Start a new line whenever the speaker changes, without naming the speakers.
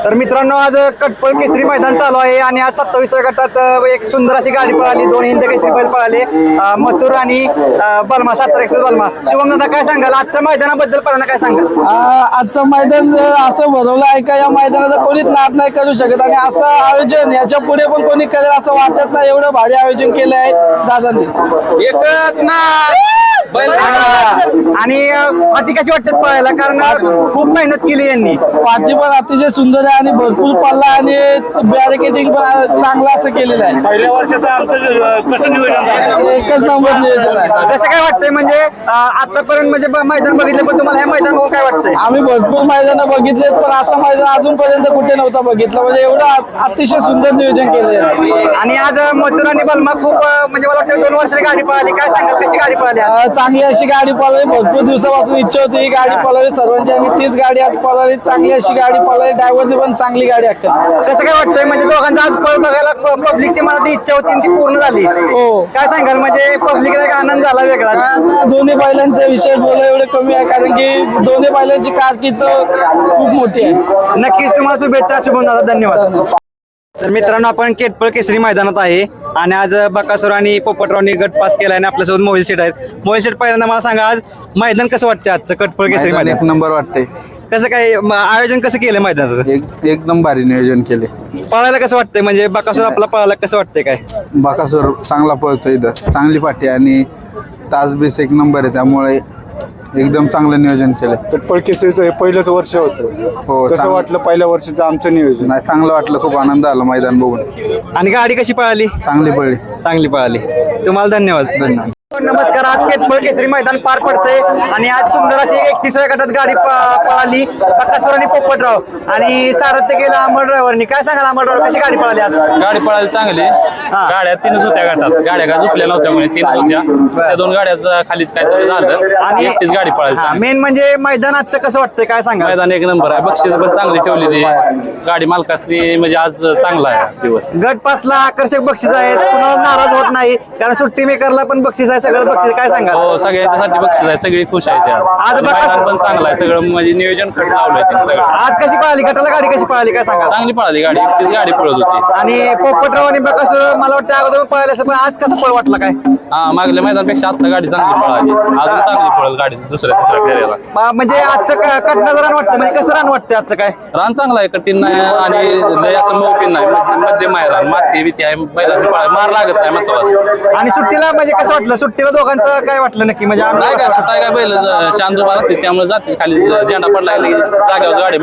तर मित्रांनो आज कटपळ केसरी मैदान चालू आहे आणि आज 27व्या गटात एक सुंदर अशी गाडी पळाली, दोन हिंद केसरी बैल पळाले, मथुर आणि बलमा 7 बलमा. शुभम दादा काय सांगाल आजच्या मैदानाबद्दल? पहिल्यांदा काय सांगाल?
आजचं मैदान असं भरवलं आहे का या मैदानाचा कोणीच नाद नाही करू शकत आणि असं आयोजन याच्या पुढे पण कोणी करेल असं वाटत नाही. एवढं भारी आयोजन केलं आहे दादांनी.
एकच ना आणि फाटी कशी वाटतात पळायला? कारण खूप मेहनत केली यांनी.
पाठी पण अतिशय सुंदर आहे आणि भरपूर पल्ला आणि बॅरिकेडिंग पण चांगलं असं केलेलं आहे.
पहिल्या वर्षाचं आमचं कसं नियोजन झालं?
एकच नंबर नियोजन आहे.
कसं काय वाटतंय म्हणजे आतापर्यंत म्हणजे मैदान बघितलं, पण तुम्हाला हे मैदान बघून काय वाटतंय?
आम्ही भरपूर मैदानं बघितलेत पण असं मैदान अजूनपर्यंत कुठे नव्हतं बघितलं. म्हणजे एवढं अतिशय सुंदर नियोजन केलंय.
आणि आज मथुर आणि बलमा खूप म्हणजे मला वाटतं 2 वर्षाची गाडी पळाली. काय सांगाल कशी गाडी पळाली आज?
चांगली अशी गाडी पळाली. भरपूर दिवसापासून इच्छा होती ही गाडी पळावी सर्वांची आणि तीच गाडी आज पळाली. चांगली अशी गाडी पळाली. ड्रायव्हरची पण चांगली गाडी अक्कल.
कसं काय वाटतंय म्हणजे दोघांचा आज पळ बघायला पब्लिकची मनात इच्छा होती ती पूर्ण झाली.
हो.
काय सांगाल म्हणजे पब्लिकला एक आनंद झाला वेगळा?
आता दोन्ही बैलांचा विषय बोला एवढं कमी आहे कारण की दोन्ही बैलांची कारकीर्द खूप मोठी आहे.
नक्कीच तुम्हाला शुभेच्छा. शुभम दादा धन्यवाद. तर मित्रांनो आपण केटपळ केसरी मैदानात आहे आणि आज बकासूर आणि पोपटरावनी गट पास केला आणि आपल्यासोबत मोबाईल शेट आहेत. मोबाईल शेट पहिल्यांदा मला सांगा आज मैदान कसं वाटतं आजचं कटपळ केसरी
मैदान
मैदान?
एक नंबर वाटते.
कसं काय आयोजन कसं केलं मैदानाचं?
एकदम भारी नियोजन केले.
पळायला कसं वाटतंय म्हणजे बकासूर आपला पळायला कसं वाटतंय? काय
बाकासूर चांगला पळतो इथं, चांगली पाठी आणि तास बीस एक नंबर आहे त्यामुळे एकदम चांगलं नियोजन केलंय.
कटपळ केसरीचं हे पहिलंच वर्ष होतं.
हो,
कसं
चांगलं.
वाटलं पहिल्या वर्षाचं आमचं नियोजन?
नाही चांगलं वाटलं, खूप आनंद आला मैदान बघून.
आणि गाडी कशी पळाली?
चांगली पडली.
चांगली पळाली. तुम्हाला धन्यवाद.
धन्यवाद.
नमस्कार. आज केटपळ केसरी मैदान पार पडते आणि आज सुंदर अशी 31व्या गटात गाडी पळाली. बकासूर आणि पोपटराव आणि सारथ्य केलं अमर ड्रायव्हरनी. काय सांगाल अमर ड्रायव्हर कशी गाडी पळाली आज?
गाडी पळायला चांगली. गाड्या 3च होत्या गटात. गाड्या काय झोपल्या नव्हत्या म्हणे 3च होत्या. त्या 2 गाड्याचं खालीच काहीतरी झालं आणि एकटीच गाडी पळायला.
मेन म्हणजे मैदान आजचं कसं वाटतंय? काय सांगा?
मैदान एक नंबर आहे. बक्षीस पण चांगली ठेवली ती गाडी मालकासनी म्हणजे आज चांगला आहे दिवस.
गट पासला आकर्षक बक्षीस आहेत. कुणाला नाराज होत नाही कारण सुट्टी मेकरला पण बक्षीस आहे. सगळं बक्षीस. काय सांगा?
हो सगळ्यांच्यासाठी बक्षीस आहे. सगळी खुश आहेत आज.
आज
मैदान पण चांगलं आहे. सगळं म्हणजे नियोजन खट लावलंय तिने सगळं.
आज कशी पळाली? गटाला गाडी कशी पळाली? काय सांगा?
चांगली पळाली गाडी. एकटीच गाडी पळत होती.
आणि पोपटराव आणि बकासूर मला वाटतं अगोदर पळायला असं, पण आज कसं पळ वाटलं? काय
हा मागल्या मैदानपेक्षा आता गाडी चांगली पळाली. अजून चांगली पळेल गाडी दुसऱ्या तिसऱ्या फेऱ्याला.
म्हणजे आजचं कटनाचं रान वाटतं म्हणजे कसं रान वाटतं आजचं? काय
रान चांगला आहे. कठीण नाही आणि लय असं मौपिन नाही. मध्यम आहे रान. माती बिती आहे. पहिल्याच पळाय मार लागत नाही महत्वाचं.
आणि सुट्टीला म्हणजे कसं वाटलं? सुट्टीला दोघांचं काय वाटलं नक्की? म्हणजे
नाही काय सुटाय काय बैल शांत उभा राहते त्यामुळे जाते खाली झेंडा पडला की जाग्यावर गाडी